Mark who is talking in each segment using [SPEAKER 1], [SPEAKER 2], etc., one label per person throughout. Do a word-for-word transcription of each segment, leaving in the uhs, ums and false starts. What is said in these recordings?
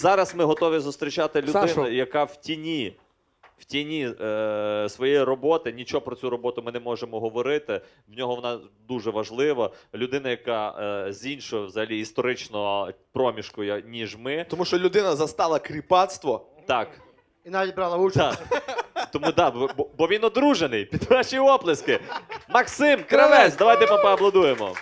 [SPEAKER 1] Зараз ми готові зустрічати людину,
[SPEAKER 2] Сашо.
[SPEAKER 1] яка в тіні, в тіні е, своєї роботи, нічого про цю роботу ми не можемо говорити, в нього вона дуже важлива. Людина, яка е, з іншого взагалі історичного проміжку, я- ніж ми.
[SPEAKER 3] Тому що людина застала кріпацтво.
[SPEAKER 1] Так,
[SPEAKER 2] І навіть брала участь.
[SPEAKER 1] так. Тому да, бо, бо він одружений. Під ваші оплески. Максим Кравець, давайте ми поаплодуємо.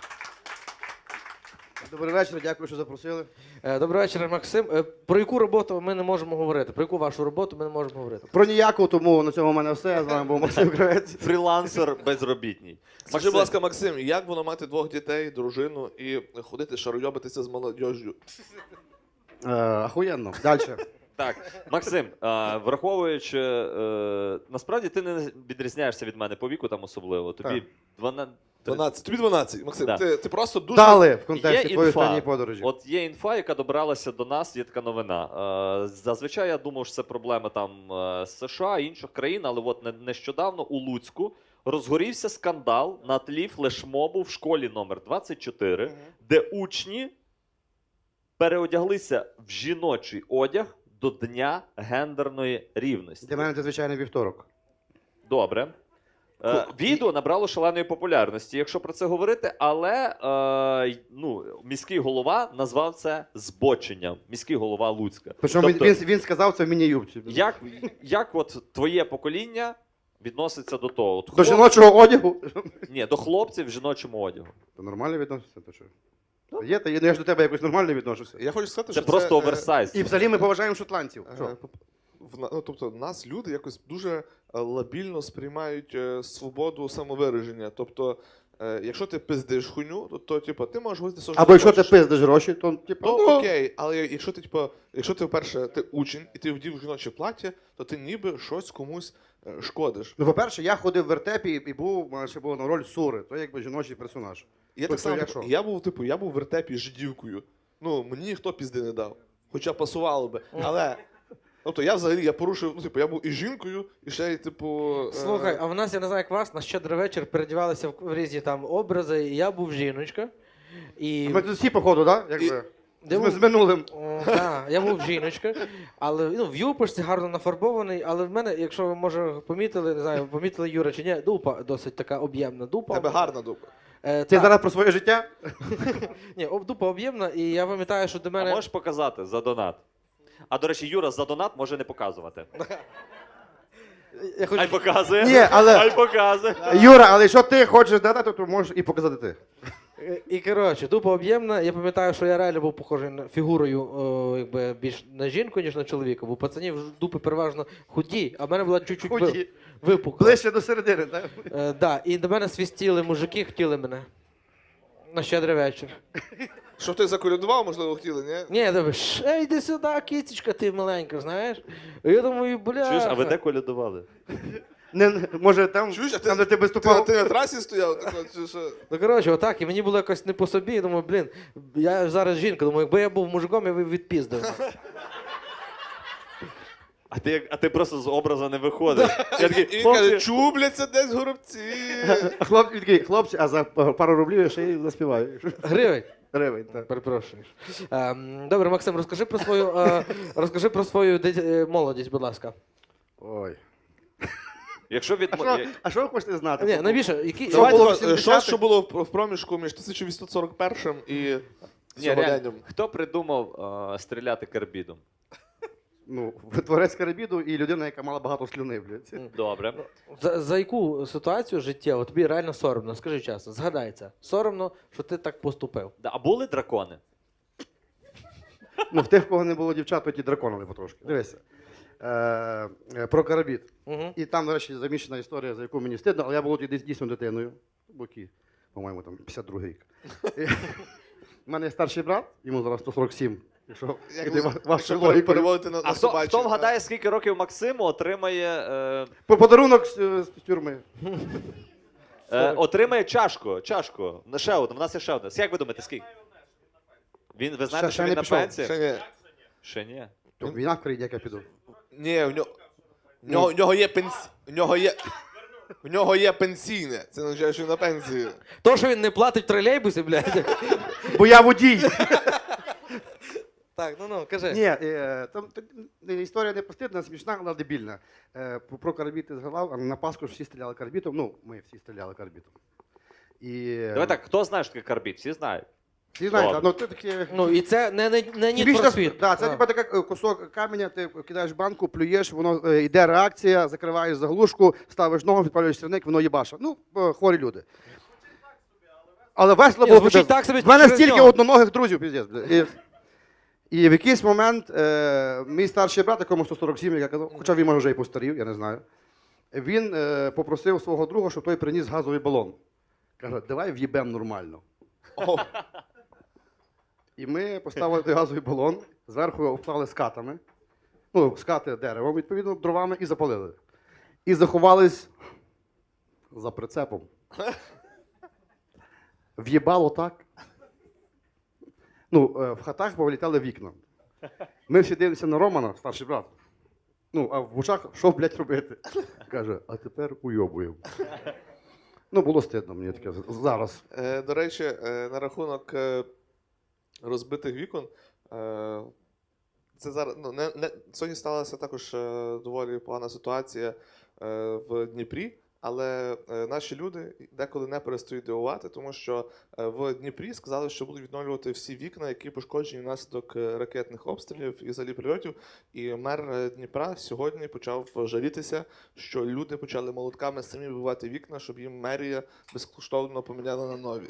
[SPEAKER 2] Добрий вечір, дякую, що запросили.
[SPEAKER 4] Е, Добрий вечір, Максим. Е, Про яку роботу ми не можемо говорити? Про яку вашу роботу ми не можемо говорити?
[SPEAKER 2] Про ніяку, тому на цьому в мене все. З вами був Максим Кравець.
[SPEAKER 1] Фрілансер безробітній.
[SPEAKER 3] Скажи, будь ласка, Максим, як воно мати двох дітей, дружину і ходити шаройобитися з молодіжжю?
[SPEAKER 2] Е, Ахуєнно. Далі.
[SPEAKER 1] Так, Максим, а, враховуючи, е, насправді ти не відрізняєшся від мене по віку там особливо. Тобі
[SPEAKER 2] Так.
[SPEAKER 1] дванадцять.
[SPEAKER 3] дванадцять. Тобі дванадцять, Максим.
[SPEAKER 1] Да.
[SPEAKER 3] Ти, ти просто дуже...
[SPEAKER 2] Дали в
[SPEAKER 1] Є
[SPEAKER 2] контексті твоєї
[SPEAKER 1] інфа.
[SPEAKER 2] останньої подорожі.
[SPEAKER 1] От є інфа, яка добралася до нас, є така новина. Е, зазвичай я думав, що це проблема там е, з США, інших країн, але от не- нещодавно у Луцьку розгорівся скандал на тлі флешмобу в школі номер двадцять чотири, де учні переодяглися в жіночий одяг до Дня гендерної рівності.
[SPEAKER 2] Для мене це звичайний вівторок.
[SPEAKER 1] Добре. Е, відео набрало шаленої популярності, якщо про це говорити, але е, ну, міський голова назвав це збоченням. Міський голова Луцька.
[SPEAKER 2] Причому
[SPEAKER 1] Тобто,
[SPEAKER 2] він, він, він сказав це в міні-юбці.
[SPEAKER 1] як, як от твоє покоління відноситься до того? От
[SPEAKER 2] До
[SPEAKER 1] хлоп-
[SPEAKER 2] жіночого одягу.
[SPEAKER 1] Ні, до хлопців в жіночому одягу.
[SPEAKER 2] Та нормально відноситься, то що? Та Є, та є, ну я ж до тебе якось нормально відношуся.
[SPEAKER 3] Я хочу сказати,
[SPEAKER 1] Це
[SPEAKER 3] що
[SPEAKER 1] просто
[SPEAKER 3] це, е,
[SPEAKER 1] оверсайз.
[SPEAKER 2] І взагалі ми поважаємо шотландців.
[SPEAKER 3] Е,
[SPEAKER 2] Що?
[SPEAKER 3] поп- в на- ну, тобто нас люди якось дуже е, лабільно сприймають е, свободу самовираження. Тобто, е, якщо ти пиздиш хуйню, то, то типу, ти можеш говорити, що
[SPEAKER 2] Або якщо ти
[SPEAKER 3] хочеш.
[SPEAKER 2] пиздиш гроші, то типу,
[SPEAKER 3] То
[SPEAKER 2] ну,
[SPEAKER 3] окей, але якщо ти, типу, якщо ти, вперше, ти учень і ти вдів жіноче плаття, то ти ніби щось комусь е, шкодиш.
[SPEAKER 2] Ну, по-перше, я ходив в вертепі і був, у мене ще була на роль Сури, то якби жіночий персонаж.
[SPEAKER 3] І я
[SPEAKER 2] Тобто,
[SPEAKER 3] так само,
[SPEAKER 2] як
[SPEAKER 3] типу,
[SPEAKER 2] що?
[SPEAKER 3] я був, типу, я був в вертепі жидівкою. Ну, мені ніхто пізди не дав. Хоча пасувало би. Але, тобто, я взагалі, я порушив, ну, типу, я був і жінкою, і ще й, типу... е,
[SPEAKER 4] Слухай, а в нас, я не знаю, як вас, на щедрий вечір передівалися в в різні там образи, і я був жіночка. І...
[SPEAKER 2] Ми тут всі, походу, так? Да? Якби.
[SPEAKER 4] Я
[SPEAKER 2] З,
[SPEAKER 4] був-
[SPEAKER 2] з минулим.
[SPEAKER 4] О, да, я був жіночка, але ну, в юпочці гарно нафарбований, але в мене, якщо ви може помітили, не знаю, помітили Юра чи ні, дупа досить така об'ємна дупа.
[SPEAKER 3] Тебе гарна дупа.
[SPEAKER 4] Е,
[SPEAKER 2] Ти
[SPEAKER 4] та-
[SPEAKER 2] зараз про своє життя?
[SPEAKER 4] Ні, об- дупа об'ємна, і я пам'ятаю, що до
[SPEAKER 1] А
[SPEAKER 4] мене.
[SPEAKER 1] можеш показати за донат? А до речі, Юра за донат може не показувати.
[SPEAKER 4] Я хочу...
[SPEAKER 1] Хай показує.
[SPEAKER 2] Ні, але-
[SPEAKER 1] Хай показує.
[SPEAKER 2] Юра, але якщо ти хочеш дати, то можеш і показати ти.
[SPEAKER 4] Е, І коротше, дупа об'ємна. Я пам'ятаю, що я реально був похожий на фігурою, о, якби більш на жінку, ніж на чоловіка, бо пацанів ж дупи переважно худі, а в мене була чуть-чуть ви-
[SPEAKER 2] Худі.
[SPEAKER 4] випукла.
[SPEAKER 2] Ближче до середини, так?
[SPEAKER 4] Е, да, і до мене свістіли мужики, хотіли мене. На щедрий вечір.
[SPEAKER 3] Що ти заколядував, можливо, хотіли, ні?
[SPEAKER 4] Ні, я думаю, «Ш, йди сюди, кицечка, ти маленька, знаєш. І я думаю, бля.
[SPEAKER 1] Чуєш, а ви де колядували?
[SPEAKER 2] Не, може там,
[SPEAKER 3] Чуєш, а ти,
[SPEAKER 2] там де ти
[SPEAKER 3] ти,
[SPEAKER 2] виступав?
[SPEAKER 3] ти на трасі стояв? Так, от, чи що?
[SPEAKER 4] Ну, коротше, отак, і мені було якось не по собі, я думаю, блін, я ж зараз жінка, думаю, якби я був мужиком, я б відпіздив.
[SPEAKER 1] А ти, як- а ти просто з образу не виходиш. Я такий,
[SPEAKER 3] І він
[SPEAKER 1] «Хлопці,
[SPEAKER 3] каже, чубляться десь горобці.
[SPEAKER 2] А хлоп, він такий, хлопці, а за пару рублів я ще й заспіваю.
[SPEAKER 4] Гривень.
[SPEAKER 2] Гривень, так.
[SPEAKER 4] Перепрошую. Ем, добре, Максим, розкажи про свою, е, розкажи про свою дит- е, молодість, будь ласка.
[SPEAKER 2] Ой.
[SPEAKER 1] Якщо від...
[SPEAKER 2] А що, а що ви хочете знати?
[SPEAKER 4] Ні, навіщо? Які...
[SPEAKER 2] Що
[SPEAKER 3] Давай
[SPEAKER 2] було
[SPEAKER 3] тако,
[SPEAKER 2] в сімдесятих?
[SPEAKER 3] Що, що було в в проміжку між тисяча вісімсот сорок першим і
[SPEAKER 1] Ні, реально,
[SPEAKER 3] сьогоденням?
[SPEAKER 1] хто придумав е, стріляти карбідом?
[SPEAKER 2] Ну, творець Карибіду і людина, яка мала багато слюни, блядь.
[SPEAKER 1] Добре.
[SPEAKER 4] За, за яку ситуацію життєву тобі реально соромно? Скажи чесно, згадай це. Соромно, що ти так поступив.
[SPEAKER 1] Да, а були дракони?
[SPEAKER 2] Ну, в тих, в кого не було дівчат, то ті драконили потрошки. Дивися. Е, е, про Карибід.
[SPEAKER 4] Угу.
[SPEAKER 2] І там, до речі, заміщена історія, за яку мені стидно, але я був тоді дійсно дитиною. Боки, по-моєму, там п'ятдесят другий рік. У мене є старший брат, йому зараз сто сорок сім. Якщо
[SPEAKER 3] Як
[SPEAKER 2] іде
[SPEAKER 3] ви-
[SPEAKER 2] ва- ваша
[SPEAKER 3] якщо
[SPEAKER 2] логіка.
[SPEAKER 3] переводити на,
[SPEAKER 1] А
[SPEAKER 3] на
[SPEAKER 1] хто,
[SPEAKER 3] собачі,
[SPEAKER 1] хто
[SPEAKER 3] так?
[SPEAKER 1] вгадає, скільки років Максиму отримає, е,
[SPEAKER 2] По подарунок з, е, з тюрми.
[SPEAKER 1] е, отримає чашку? Чашку. Ну, ще одну, в нас є ще одна. Як ви думаєте, скільки? Він, ви знаєте,
[SPEAKER 2] Ще-
[SPEAKER 1] що
[SPEAKER 2] ще
[SPEAKER 1] він
[SPEAKER 2] не
[SPEAKER 1] на
[SPEAKER 2] пішов.
[SPEAKER 1] пенсії?
[SPEAKER 3] Ще ні.
[SPEAKER 1] Ще ні.
[SPEAKER 2] То Війна в країні, як я піду.
[SPEAKER 3] Ні, в нього, в нього, в нього є пенс... в нього є... В нього є пенсійне. Це не означає, що він на пенсії.
[SPEAKER 4] То, що він не платить в тролейбусі, блядь.
[SPEAKER 2] Бо я водій.
[SPEAKER 4] Так, ну ну, кажи.
[SPEAKER 2] Ні, е, там так, е, історія не постидна, смішна, але дебільна. Е, про про карбіт ти згадав, а на Пасху ж всі стріляли карбітом. Ну, ми всі стріляли карбітом. І,
[SPEAKER 1] Давай так, хто знає, що таке карбід? Всі знають.
[SPEAKER 2] Всі знаєте,
[SPEAKER 1] Ладно.
[SPEAKER 2] ну ти таке.
[SPEAKER 4] Ну і це не, не, не Need
[SPEAKER 2] Більш
[SPEAKER 4] for
[SPEAKER 2] та-
[SPEAKER 4] Speed.
[SPEAKER 2] Да, це
[SPEAKER 4] А.
[SPEAKER 2] типа така кусок каменя, ти кидаєш в банку, плюєш, воно е, йде реакція, закриваєш заглушку, ставиш ногу, підпалюєш сірник, воно їбаша. Ну, е, хворі люди. Але весело
[SPEAKER 4] Ні,
[SPEAKER 2] було.
[SPEAKER 4] звучить
[SPEAKER 2] пиздець.
[SPEAKER 4] так собі
[SPEAKER 2] В мене
[SPEAKER 4] через
[SPEAKER 2] стільки
[SPEAKER 4] нього.
[SPEAKER 2] одноногих друзів, піздець. бля. І, і в якийсь момент е, мій старший брат, якому сто сорок сім, як я казав, хоча він може вже і постарів, я не знаю. Він е, попросив свого друга, щоб той приніс газовий балон. Каже, давай в'їбем нормально.
[SPEAKER 3] О,
[SPEAKER 2] І ми поставили той газовий балон, зверху його обклали скатами, ну, скати деревом, відповідно, дровами, і запалили. І заховались за прицепом. В'їбало так. Ну, е, в хатах повилітали вікна. Ми всі дивимося на Романа, старший брат. Ну, а в очах, що, блядь, робити? Каже, а тепер уйобуємо. Ну, було стидно мені таке зараз.
[SPEAKER 3] Е, До речі, е, на рахунок е, розбитих вікон. е, Це зараз ну, не, не, сьогодні сталася також е, доволі погана ситуація е, в Дніпрі, але е, наші люди деколи не перестають дивувати, тому що е, в Дніпрі сказали, що будуть відновлювати всі вікна, які пошкоджені внаслідок е, ракетних обстрілів і взагалі прильотів. І мер е, Дніпра сьогодні почав жалітися, що люди почали молотками самі вибивати вікна, щоб їм мерія безкоштовно поміняла на нові.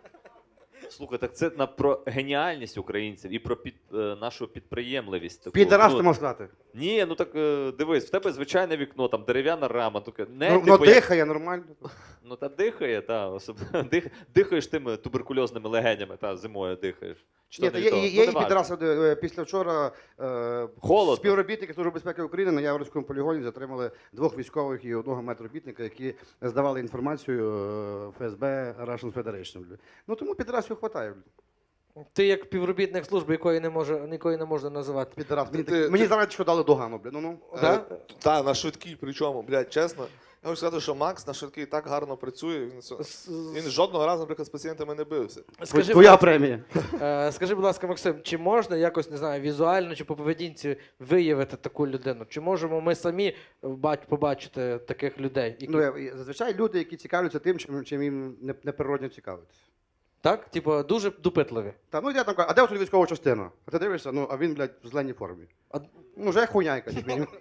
[SPEAKER 1] Слухай, так це на про геніальність українців і про під, е, нашу підприємливість. таку.
[SPEAKER 2] Підарас
[SPEAKER 1] Ну,
[SPEAKER 2] ти мав сказати.
[SPEAKER 1] Ні, ну так е, дивись, в тебе звичайне вікно, там дерев'яна рама, таке. Не,
[SPEAKER 2] Ну,
[SPEAKER 1] типу,
[SPEAKER 2] воно
[SPEAKER 1] як-
[SPEAKER 2] дихає нормально.
[SPEAKER 1] Ну та дихає, та особливо дих, дихаєш тими туберкульозними легенями, та зимою дихаєш. Чи
[SPEAKER 2] Ні,
[SPEAKER 1] то
[SPEAKER 2] та
[SPEAKER 1] не
[SPEAKER 2] є,
[SPEAKER 1] то?
[SPEAKER 2] є,
[SPEAKER 1] Ну,
[SPEAKER 2] є і
[SPEAKER 1] неважно.
[SPEAKER 2] підраси. е, Після вчора е,
[SPEAKER 1] Холодно.
[SPEAKER 2] співробітники Служби безпеки України на Яворівському полігоні затримали двох військових і одного медробітника, які здавали інформацію е, еф ес бе Russian Federation. бля. Ну тому підрасів хватає. бля.
[SPEAKER 4] Ти як півробітник служби, якої не може, якої не можна називати.
[SPEAKER 2] Підрас. Мені,
[SPEAKER 3] Ти-
[SPEAKER 2] так- мені
[SPEAKER 3] ти-
[SPEAKER 2] зараз що дали догану, бля. Ну, ну.
[SPEAKER 4] Да?
[SPEAKER 3] Е, Та, на швидкій, причому, блядь, чесно. Я хочу сказати, що Макс на швидкій так гарно працює. Він, с-
[SPEAKER 4] С-
[SPEAKER 3] він жодного разу, наприклад, з пацієнтами не бився.
[SPEAKER 4] Скажи,
[SPEAKER 2] Твоя
[SPEAKER 4] будь-
[SPEAKER 2] премія.
[SPEAKER 4] е, скажи, будь ласка, Максим, чи можна якось, не знаю, візуально чи по поведінці виявити таку людину? Чи можемо ми самі бач- побачити таких людей? Які...
[SPEAKER 2] Ну, я- я- зазвичай люди, які цікавляться тим, чим, чим їм не- неприродно цікавитися.
[SPEAKER 4] Так? Типу, дуже допитливі.
[SPEAKER 2] Та, ну я там кажу, а де тут військова частина? А ти дивишся, ну, а він, блядь, в зеленій формі.
[SPEAKER 4] А-
[SPEAKER 2] Ну, вже хуйня якась. як мінімум.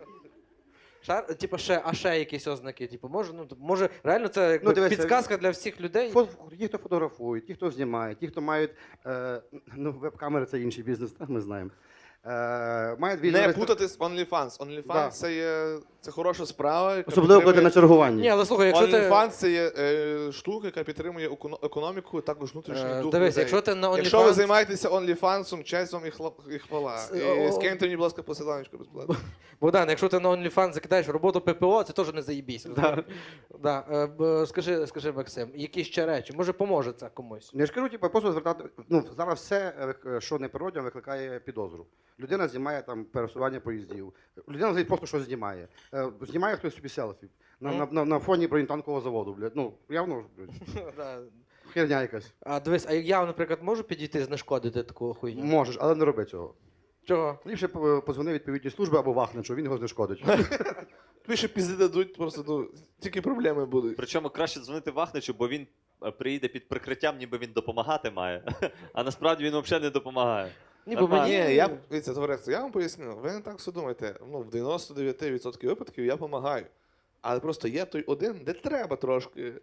[SPEAKER 4] Шар, типу, ще, а ще якісь ознаки? Типу, може, ну, може, реально це якби,
[SPEAKER 2] Ну, дивися,
[SPEAKER 4] підсказка для всіх людей?
[SPEAKER 2] Фо- Ті, хто фотографують, ті, хто знімає, ті, хто мають. Е, ну, веб-камери це інший бізнес, так ми знаємо. Е, мають
[SPEAKER 3] Не
[SPEAKER 2] відео-
[SPEAKER 3] путати з OnlyFans. OnlyFans
[SPEAKER 2] Да.
[SPEAKER 3] це є це хороша справа. яка
[SPEAKER 2] Особливо, коли ти на
[SPEAKER 3] підтримує-
[SPEAKER 2] чергуванні.
[SPEAKER 4] Ні, але слухай, якщо ти...
[SPEAKER 3] OnlyFans це є е, штука, яка підтримує еконо- економіку, також внутрішній
[SPEAKER 4] Е,
[SPEAKER 3] дух
[SPEAKER 4] Дивись,
[SPEAKER 3] людей.
[SPEAKER 4] якщо ти на
[SPEAKER 3] Якщо ви
[SPEAKER 4] OnlyFans...
[SPEAKER 3] займаєтеся OnlyFans, честь вам і, хла- і хвала.
[SPEAKER 4] С-
[SPEAKER 3] І
[SPEAKER 4] о-
[SPEAKER 3] скиньте мені, будь ласка, посиланечко безплатно.
[SPEAKER 4] Богдан, якщо ти на OnlyFans закидаєш роботу ППО, це теж не заїбісь.
[SPEAKER 2] Да.
[SPEAKER 4] Да. е, б- Скажи, скажи, Максим, які ще речі? Може, поможе це комусь?
[SPEAKER 2] Я ж кажу, типу, просто звертати. Ну, зараз все, е, що не природно, викликає підозру. Людина знімає там пересування поїздів. Людина взагалі просто щось знімає. Е, Знімає хтось собі селфі. На, на, на, на фоні бронетанкового заводу, блядь. Ну, явно, блядь,
[SPEAKER 4] Да.
[SPEAKER 2] херня якась.
[SPEAKER 4] А дивись, а я, наприклад, можу підійти знешкодити таку хуйню?
[SPEAKER 2] Можеш, але не роби цього.
[SPEAKER 4] Чого?
[SPEAKER 2] Ліпше е, позвони відповідні служби або Вахничу, він його знешкодить.
[SPEAKER 3] Тобі ще пізди дадуть, просто ну, тільки проблеми будуть.
[SPEAKER 1] Причому краще дзвонити Вахничу, бо він е, приїде під прикриттям, ніби він допомагати має. А насправді він взагалі не допомагає.
[SPEAKER 4] Ні, бо
[SPEAKER 1] Нормально.
[SPEAKER 4] мені...
[SPEAKER 3] Ні, я дивіться, товариство, я вам поясню. Ви не так все думаєте. Ну, в дев'яносто дев'ять відсотків випадків я допомагаю. Але просто є той один, де треба трошки.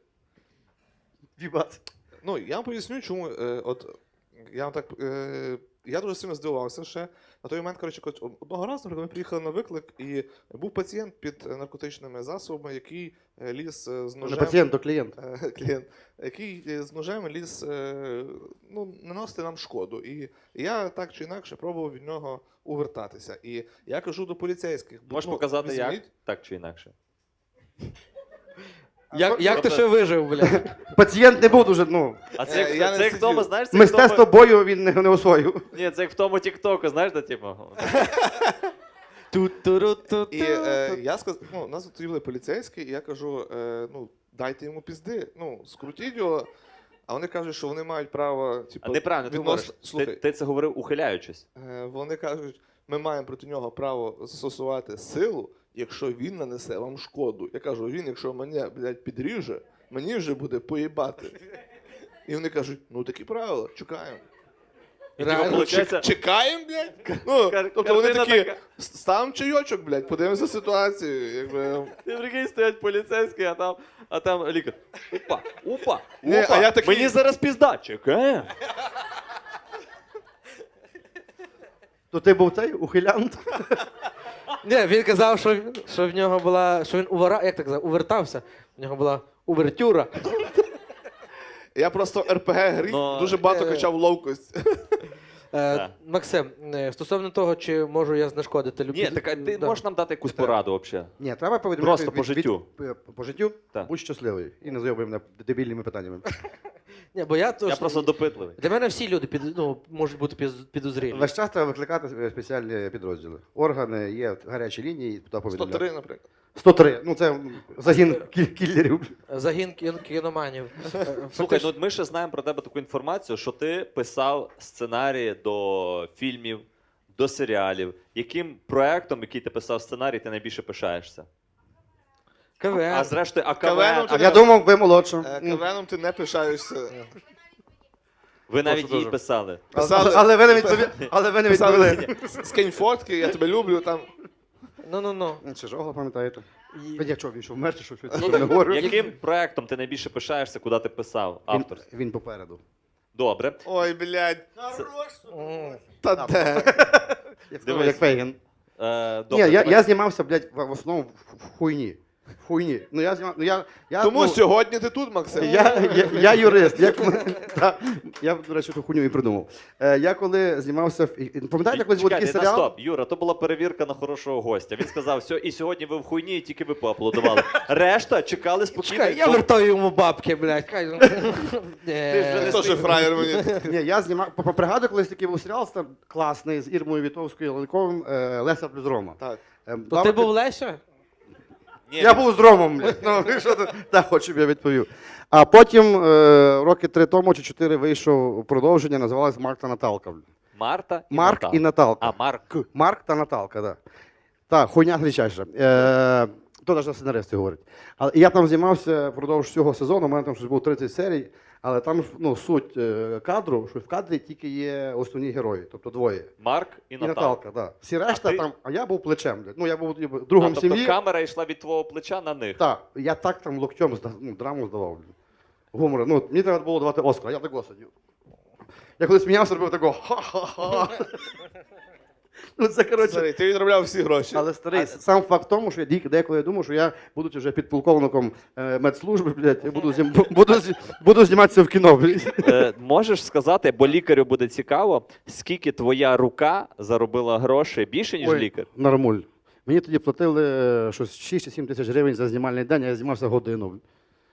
[SPEAKER 2] Вібат.
[SPEAKER 3] Ну, я вам поясню, чому. Е, от, я вам так. Е, я дуже сильно здивувався ще. На той момент, коротше, коли- одного разу, наприклад, ми приїхали на виклик, і був пацієнт під е, наркотичними засобами, який е, ліз е, з
[SPEAKER 2] Не
[SPEAKER 3] ножем.
[SPEAKER 2] пацієнт, то клієнт.
[SPEAKER 3] Е, клієнт, який е, з ножем ліз е, ну, наносити нам шкоду. І я так чи інакше пробував від нього увертатися. І я кажу до поліцейських.
[SPEAKER 1] Можеш
[SPEAKER 3] ну,
[SPEAKER 1] показати, як?
[SPEAKER 3] візьміть.
[SPEAKER 1] Так чи інакше.
[SPEAKER 4] Як, як ти
[SPEAKER 1] Тобто-
[SPEAKER 4] ще вижив, блядь?
[SPEAKER 2] Пацієнт не був дуже, ну,
[SPEAKER 1] А
[SPEAKER 3] Е,
[SPEAKER 1] це як,
[SPEAKER 3] я не
[SPEAKER 1] це як в тому,
[SPEAKER 3] сидів.
[SPEAKER 1] знаєш, це як в
[SPEAKER 2] мистецтво
[SPEAKER 1] тому...
[SPEAKER 2] бою він не, не освоїв.
[SPEAKER 1] Ні, це як в тому Тіктоку, знаєш, де типу.
[SPEAKER 4] Ту-ту-ру-ту-ту.
[SPEAKER 3] І е, я сказав, ну, у нас тут були поліцейські, і я кажу: е, ну, дайте йому пізди, ну, скрутіть його. А вони кажуть, що вони мають право, типу,
[SPEAKER 1] А неправильно ти говориш.
[SPEAKER 3] відносно...
[SPEAKER 1] Ти,
[SPEAKER 3] Слухай,
[SPEAKER 1] ти це говорив ухиляючись.
[SPEAKER 3] е, вони кажуть, ми маємо проти нього право застосувати силу, якщо він нанесе вам шкоду. Я кажу, він, якщо мене, блядь, підріже, мені вже буде поїбати. І вони кажуть, ну такі правила, чекаємо.
[SPEAKER 1] І
[SPEAKER 4] Реально?
[SPEAKER 1] типу, виходить,
[SPEAKER 3] Чекаємо, блядь? Ну,
[SPEAKER 1] Кар-
[SPEAKER 3] тобто вони
[SPEAKER 1] картина
[SPEAKER 3] такі,
[SPEAKER 1] така.
[SPEAKER 3] ставимо чайочок, блядь, подивимося ситуацію. Якби...
[SPEAKER 1] ти прикинь, стоять поліцейські, а там, а там лікар. Опа, опа,
[SPEAKER 3] Ні,
[SPEAKER 1] опа.
[SPEAKER 3] а я такий-
[SPEAKER 1] Мені зараз пізда. Чекаємо.
[SPEAKER 2] То ти був цей ухилянт?
[SPEAKER 4] Ні, він казав, що, що в нього була, що він увара, як так казав, увертався. В нього була увертюра.
[SPEAKER 3] Я просто РПГ грі
[SPEAKER 1] Ну,
[SPEAKER 3] дуже багато
[SPEAKER 4] е,
[SPEAKER 3] качав ловкость.
[SPEAKER 4] Е,
[SPEAKER 1] Так.
[SPEAKER 4] Максим, е, стосовно того, чи можу я знешкодити любі...
[SPEAKER 1] Ні, так а ти
[SPEAKER 4] Да.
[SPEAKER 1] можеш нам дати якусь пораду взагалі?
[SPEAKER 2] Ні, треба повідомити.
[SPEAKER 1] Просто по життю.
[SPEAKER 2] по життю?
[SPEAKER 1] Так.
[SPEAKER 2] Будь щасливий. І не зайобуй мене дебільними питаннями.
[SPEAKER 4] Ні, бо я, то,
[SPEAKER 1] Я
[SPEAKER 4] що-
[SPEAKER 1] просто допитливий.
[SPEAKER 4] Для мене всі люди під, ну, можуть бути під- підозрілі.
[SPEAKER 2] Весь час треба викликати спеціальні підрозділи. Органи, є гарячі лінії, туди
[SPEAKER 3] сто
[SPEAKER 2] повідомляти.
[SPEAKER 3] три, наприклад.
[SPEAKER 2] сто три. Ну це загін кіль- кілерів.
[SPEAKER 4] Загін кін- кіноманів. Е,
[SPEAKER 1] Слухай,
[SPEAKER 4] фактично-
[SPEAKER 1] ну ми ще знаємо про тебе таку інформацію, що ти писав сценарії до фільмів, до серіалів. Яким проектом, який ти писав сценарій, ти найбільше пишаєшся?
[SPEAKER 4] КВН.
[SPEAKER 1] А зрештою, а
[SPEAKER 3] КВН-ом
[SPEAKER 1] КВН,
[SPEAKER 3] ти
[SPEAKER 2] Я думав, ви молодша.
[SPEAKER 3] Е, КВНом ти не пишаєшся.
[SPEAKER 1] ви навіть
[SPEAKER 2] Прошу
[SPEAKER 1] її
[SPEAKER 2] дуже.
[SPEAKER 1] писали.
[SPEAKER 3] Писали-
[SPEAKER 2] Але ви не відповіли. Але ви не
[SPEAKER 3] Писали,
[SPEAKER 2] відповіли.
[SPEAKER 3] скинь фотки, я тебе люблю, там.
[SPEAKER 4] Ну-ну-ну.
[SPEAKER 2] Чи Жогла пам'ятаєте?
[SPEAKER 4] І-
[SPEAKER 2] Ви як що, він що вмер, чи що, що
[SPEAKER 1] Ну,
[SPEAKER 2] я не говорю?
[SPEAKER 1] Яким проектом ти найбільше пишаєшся, куди ти писав
[SPEAKER 2] Він,
[SPEAKER 1] автор?
[SPEAKER 2] він попереду.
[SPEAKER 1] Добре.
[SPEAKER 3] Ой, блядь.
[SPEAKER 4] М.
[SPEAKER 3] Та де?
[SPEAKER 2] Як,
[SPEAKER 1] Дивись.
[SPEAKER 2] як Фейген.
[SPEAKER 1] Е,
[SPEAKER 2] Ні,
[SPEAKER 1] добре,
[SPEAKER 2] я,
[SPEAKER 1] давай.
[SPEAKER 2] я знімався, блядь, в, в основному в, в хуйні. В хуйні. Ну я знімав, ну я, я,
[SPEAKER 3] Тому
[SPEAKER 2] ну,
[SPEAKER 3] сьогодні ти тут, Максим.
[SPEAKER 2] я, я, я юрист. Як, ми- та, я, до речі, ту хуйню і придумав. Е, я коли знімався, в- і- і пам'ятаєте, колись був
[SPEAKER 1] Чекайте,
[SPEAKER 2] такий
[SPEAKER 1] на
[SPEAKER 2] серіал?
[SPEAKER 1] стоп, Юра, то була перевірка на хорошого гостя. Він сказав, все, і сьогодні ви в хуйні, і тільки ви поаплодували. Решта чекали спокійно.
[SPEAKER 4] Чекай, я
[SPEAKER 1] бо-
[SPEAKER 4] вертаю йому бабки, блядь. Хай, ну.
[SPEAKER 1] Ти вже
[SPEAKER 4] Ні.
[SPEAKER 1] не
[SPEAKER 3] Хто ж фраєр мені?
[SPEAKER 2] Ні, я знімав, по- по- пригадую, колись такий був серіал стар- класний з Ірмою Вітовською Ланковим е, Леся плюс Рома.
[SPEAKER 3] Так.
[SPEAKER 2] Е,
[SPEAKER 4] То ти
[SPEAKER 2] бабки-
[SPEAKER 4] був Леся?
[SPEAKER 1] Ні,
[SPEAKER 2] Я
[SPEAKER 1] він-
[SPEAKER 2] був з Ромом, блядь. Ну, що ти? Так, хоч щоб я відповів. А потім, е, роки три тому чи чотири вийшов продовження, називалось Марк та Наталка. блядь.
[SPEAKER 1] Марта і
[SPEAKER 2] Марк
[SPEAKER 1] Наталка.
[SPEAKER 2] і Наталка.
[SPEAKER 1] А, Марк.
[SPEAKER 2] Марк та Наталка, так. Так, хуйня гличайша. Е, то навіть сценаристи говорять. Але я там знімався впродовж всього сезону, у мене там щось було тридцять серій, але там ну, суть е, кадру, що в кадрі тільки є основні герої, тобто двоє.
[SPEAKER 1] Марк і
[SPEAKER 2] І
[SPEAKER 1] Наталка.
[SPEAKER 2] Наталка, так. Всі решта
[SPEAKER 1] ти?
[SPEAKER 2] там, а я був плечем. блядь. Ну, я був ніби,
[SPEAKER 1] А,
[SPEAKER 2] другом
[SPEAKER 1] тобто
[SPEAKER 2] сім'ї.
[SPEAKER 1] камера йшла від твого плеча на них.
[SPEAKER 2] Так, я так там локтем зда- ну, драму здавав. блін. Гумор. Ну, мені треба було давати Оскар, я так сидів. Я коли сміявся, робив такого ха-ха-ха. Ну, це, коротше.
[SPEAKER 3] Старий, ти відробляв всі гроші.
[SPEAKER 2] Але старий, сам факт в тому, що я дік- деколи я думав, що я, будучи вже підполковником е, медслужби, блядь, я буду, знім, буду, зі- буду зніматися в кіно. Блядь.
[SPEAKER 1] Е, можеш сказати, бо лікарю буде цікаво, скільки твоя рука заробила грошей більше, ніж
[SPEAKER 2] Ой,
[SPEAKER 1] лікар?
[SPEAKER 2] Нормуль. Мені тоді платили е, щось шість чи сім тисяч гривень за знімальний день, а я знімався годину. блядь.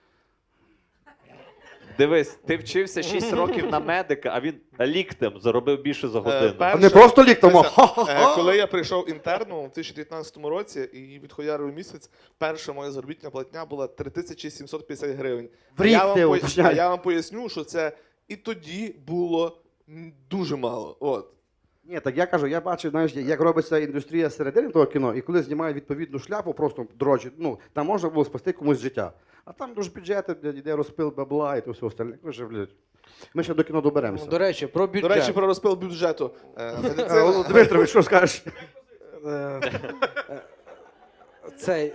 [SPEAKER 1] Дивись, ти вчився шість років на медика, а він ліктем заробив більше за годину.
[SPEAKER 3] пер-
[SPEAKER 2] А не просто ліктом, а
[SPEAKER 3] Дивися,
[SPEAKER 2] ха-ха-ха.
[SPEAKER 3] Е, Коли я прийшов інтерном у дві тисячі дев'ятнадцятому році і відхуярив місяць, перша моя заробітна платня була три тисячі сімсот п'ятдесят гривень.
[SPEAKER 2] В рік
[SPEAKER 3] я, вам
[SPEAKER 2] ти
[SPEAKER 3] пой-
[SPEAKER 2] уточняй.
[SPEAKER 3] а я вам поясню, що це і тоді було м, дуже мало. От.
[SPEAKER 2] Ні, так я кажу, я бачив, знаєш, як робиться індустрія середини того кіно, і коли знімають відповідну шляпу, просто дрочить, ну, там можна було спасти комусь життя. А там дуже бюджети, блядь, іде розпил бабла і то все остальне. Каже, блядь, ми ще до кіно доберемося.
[SPEAKER 4] До речі, про бюджет.
[SPEAKER 3] До речі, про розпил бюджету. Е,
[SPEAKER 2] Е,
[SPEAKER 3] медицина-
[SPEAKER 2] Дмитрович, що скажеш?
[SPEAKER 4] Е, е, Цей.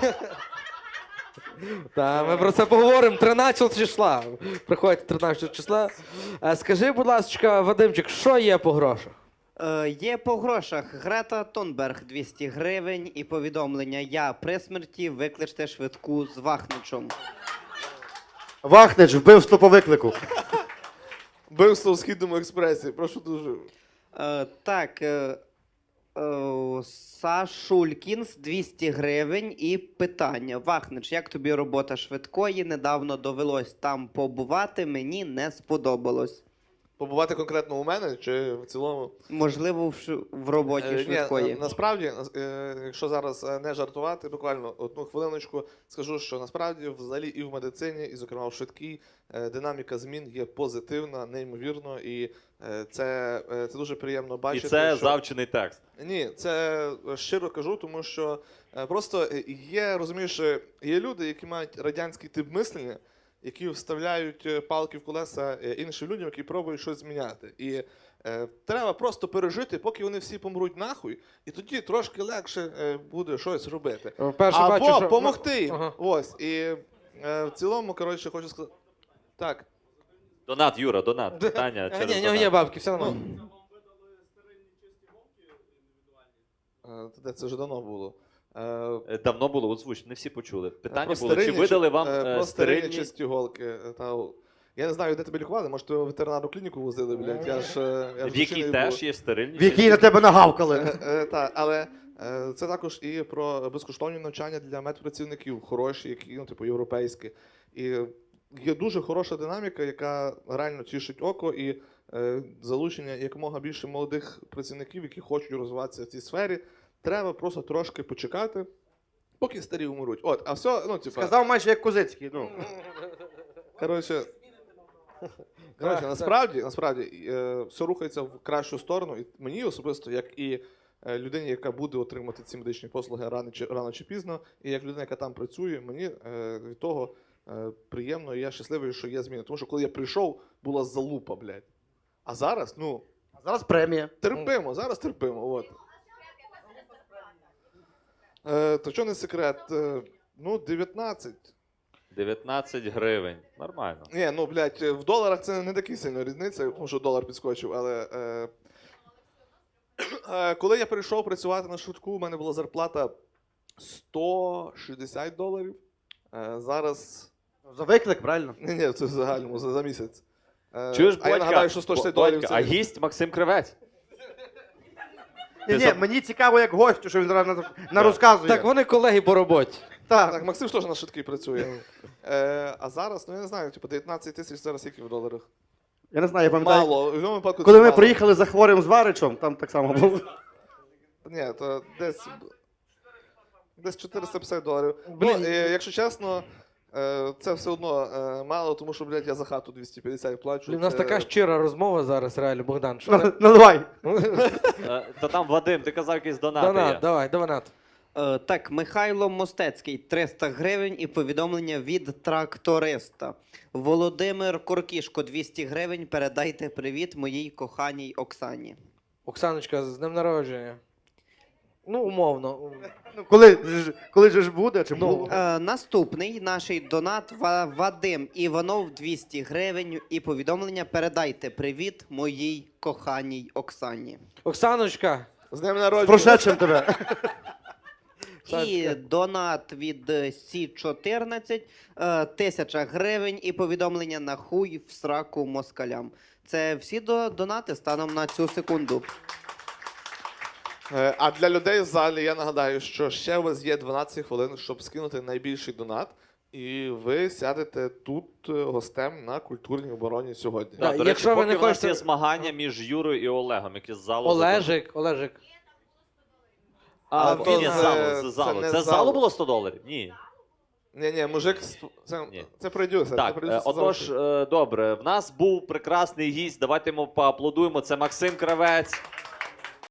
[SPEAKER 4] Та, ми про це поговоримо тринадцятого числа. Приходьте тринадцятого числа. Е, Скажи, будь ласка, Вадимчик, що є по грошах?
[SPEAKER 5] Е, є по грошах Грета Тунберг двісті гривень і повідомлення «Я при смерті, викличте швидку з Вахничем».
[SPEAKER 2] Вахнич, вбивство по виклику.
[SPEAKER 3] Вбивство в Східному експресі. Прошу дуже.
[SPEAKER 5] Е, так, е, е, Сашулькінс двісті гривень і питання. Вахнич, як тобі робота швидкої? Недавно довелось там побувати, мені не сподобалось.
[SPEAKER 3] побувати конкретно у мене чи в цілому?
[SPEAKER 5] Можливо, в, ш- в роботі
[SPEAKER 3] Е, ні,
[SPEAKER 5] швидкої.
[SPEAKER 3] е, насправді, е, якщо зараз е, не жартувати, буквально одну хвилиночку скажу, що насправді взагалі і в медицині, і зокрема в швидкій, е, динаміка змін є позитивна, неймовірно, і е, це, е, це дуже приємно
[SPEAKER 1] І
[SPEAKER 3] бачити.
[SPEAKER 1] це
[SPEAKER 3] що...
[SPEAKER 1] завчений текст.
[SPEAKER 3] Ні, це щиро кажу, тому що е, просто е, є, розумієш, е, є люди, які мають радянський тип мислення, які вставляють е, палки в колеса е, іншим людям, які пробують щось зміняти. І е, треба просто пережити, поки вони всі помруть нахуй, і тоді трошки легше е, буде щось робити.
[SPEAKER 4] Вперше
[SPEAKER 3] Або
[SPEAKER 4] бачу, що...
[SPEAKER 3] помогти їм.
[SPEAKER 4] Ага.
[SPEAKER 3] Ось. І е, в цілому, коротше, хочу сказати. Так.
[SPEAKER 1] Донат, Юра, донат. Питання
[SPEAKER 4] А,
[SPEAKER 1] через
[SPEAKER 4] ні, в нього є
[SPEAKER 1] донат.
[SPEAKER 4] бабки, все нормально.
[SPEAKER 3] Е, Де це вже давно було. Е,
[SPEAKER 1] Е, Давно було, озвуч, не всі почули. Питання
[SPEAKER 3] Про
[SPEAKER 1] було, чи
[SPEAKER 3] стерильні
[SPEAKER 1] видали
[SPEAKER 3] чи-
[SPEAKER 1] вам
[SPEAKER 3] е,
[SPEAKER 1] е,
[SPEAKER 3] про стерильні
[SPEAKER 1] стерильні...
[SPEAKER 3] чисті голки. е, Та, я не знаю, де тебе лікували, може тебе в ветеринарну клініку возили, блядь. Я ж, е, я ж
[SPEAKER 1] В якій
[SPEAKER 3] дівчиною
[SPEAKER 1] теж
[SPEAKER 3] був.
[SPEAKER 1] є стерильні?
[SPEAKER 2] В якій на тебе нагавкали.
[SPEAKER 3] Е, е, та, але е, це також і про безкоштовні навчання для медпрацівників, хороші, які, ну, типу, європейські. І є дуже хороша динаміка, яка реально тішить око, і е, залучення якомога більше молодих працівників, які хочуть розвиватися в цій сфері. Треба просто трошки почекати, поки старі умруть. От, а все, ну, типу,
[SPEAKER 2] Сказав майже як Козицький. Ну.
[SPEAKER 3] коротше, коротше, насправді, насправді е, все рухається в кращу сторону. І мені особисто, як і е, людині, яка буде отримати ці медичні послуги рано чи, рано чи пізно, і як людина, яка там працює, мені е, від того е, приємно, і я щасливий, що є зміни. Тому що коли я прийшов, була залупа, блядь. А зараз, ну,
[SPEAKER 2] А зараз премія.
[SPEAKER 3] терпимо, зараз терпимо. От. Е, то що не секрет? Е, ну, дев'ятнадцять.
[SPEAKER 1] дев'ятнадцять гривень. Нормально.
[SPEAKER 3] Ні, ну, блядь, в доларах це не така сильна різниця, тому що долар підскочив, але. Е, е, коли я прийшов працювати на швидку, у мене була зарплата сто шістдесят доларів. Е, зараз.
[SPEAKER 2] За виклик, правильно?
[SPEAKER 3] Ні, ні, це в загальному за, за місяць. Е,
[SPEAKER 1] Чуєш,
[SPEAKER 3] а я
[SPEAKER 1] Бодька?
[SPEAKER 3] нагадаю, що сто шістдесят доларів
[SPEAKER 1] Бодька,
[SPEAKER 3] це.
[SPEAKER 1] а гість Максим Кривець.
[SPEAKER 2] Ні, ні,
[SPEAKER 1] за-
[SPEAKER 2] мені цікаво, як гостю, що він зараз на, на розказує.
[SPEAKER 4] Так вони колеги по роботі.
[SPEAKER 2] Так.
[SPEAKER 3] Так, Максим ж теж на швидкій працює. Е, а зараз, ну я не знаю, типу дев'ятнадцять тисяч зараз скільки в доларах?
[SPEAKER 2] Я не знаю, я пам'ятаю.
[SPEAKER 3] Мало. В будь-якому випадку це
[SPEAKER 2] Коли ми
[SPEAKER 3] мало.
[SPEAKER 2] приїхали за хворим з Варичем, там так само було.
[SPEAKER 3] Ні, то десь. Десь чотириста п'ятдесят доларів.
[SPEAKER 4] Блін.
[SPEAKER 3] Ну, е, якщо чесно, е, це все одно е, мало, тому що, блядь, я за хату двісті п'ятдесят плачу.
[SPEAKER 4] Блін, у нас
[SPEAKER 3] Це-
[SPEAKER 4] така щира розмова зараз, реально, Богдан. Що ти?
[SPEAKER 2] Наливай.
[SPEAKER 1] Е, Та там Вадим, ти казав, якийсь донати
[SPEAKER 4] Донат,
[SPEAKER 1] є.
[SPEAKER 4] давай, донат.
[SPEAKER 5] Е, так, Михайло Мостецький, триста гривень і повідомлення від тракториста. Володимир Коркішко, двісті гривень. Передайте привіт моїй коханій Оксані.
[SPEAKER 4] Оксаночка, з днем народження. Ну, умовно.
[SPEAKER 2] Ну, коли, ж- коли же ж буде, чи
[SPEAKER 4] Ну,
[SPEAKER 2] було?
[SPEAKER 5] Е, наступний наш донат Ва- Вадим Іванов, двісті гривень і повідомлення передайте привіт моїй коханій Оксані.
[SPEAKER 4] Оксаночка,
[SPEAKER 3] З днем
[SPEAKER 2] З
[SPEAKER 3] народження.
[SPEAKER 2] прошедшим тебе.
[SPEAKER 5] І донат від е, Сі чотирнадцять, е, тисяча гривень і повідомлення на хуй в сраку москалям. Це всі до, донати станом на цю секунду.
[SPEAKER 3] Е, А для людей в залі я нагадаю, що ще у вас є дванадцять хвилин, щоб скинути найбільший донат. І ви сядете тут е, гостем на культурній обороні сьогодні.
[SPEAKER 4] Да,
[SPEAKER 1] Так, до
[SPEAKER 4] якщо
[SPEAKER 1] речі,
[SPEAKER 4] ви
[SPEAKER 1] поки
[SPEAKER 4] не
[SPEAKER 1] в нас
[SPEAKER 4] хочете-
[SPEAKER 1] є змагання між Юрою і Олегом, які з залу...
[SPEAKER 4] Олежик, Олежик.
[SPEAKER 1] А,
[SPEAKER 3] А,
[SPEAKER 1] ні,
[SPEAKER 3] то
[SPEAKER 1] ні, з
[SPEAKER 3] з-
[SPEAKER 1] залу,
[SPEAKER 3] це
[SPEAKER 1] з залу.
[SPEAKER 3] не
[SPEAKER 1] Це
[SPEAKER 3] з
[SPEAKER 1] з залу
[SPEAKER 3] залу.
[SPEAKER 1] було сто доларів? Ні.
[SPEAKER 3] Ні, ні, мужик, з- це,
[SPEAKER 1] Ні.
[SPEAKER 3] це продюсер. це
[SPEAKER 1] Так,
[SPEAKER 3] продюсер
[SPEAKER 1] е,
[SPEAKER 3] сказав,
[SPEAKER 1] отож,
[SPEAKER 3] що-
[SPEAKER 1] е, добре, в нас був прекрасний гість, давайте йому поаплодуємо, це Максим Кравець.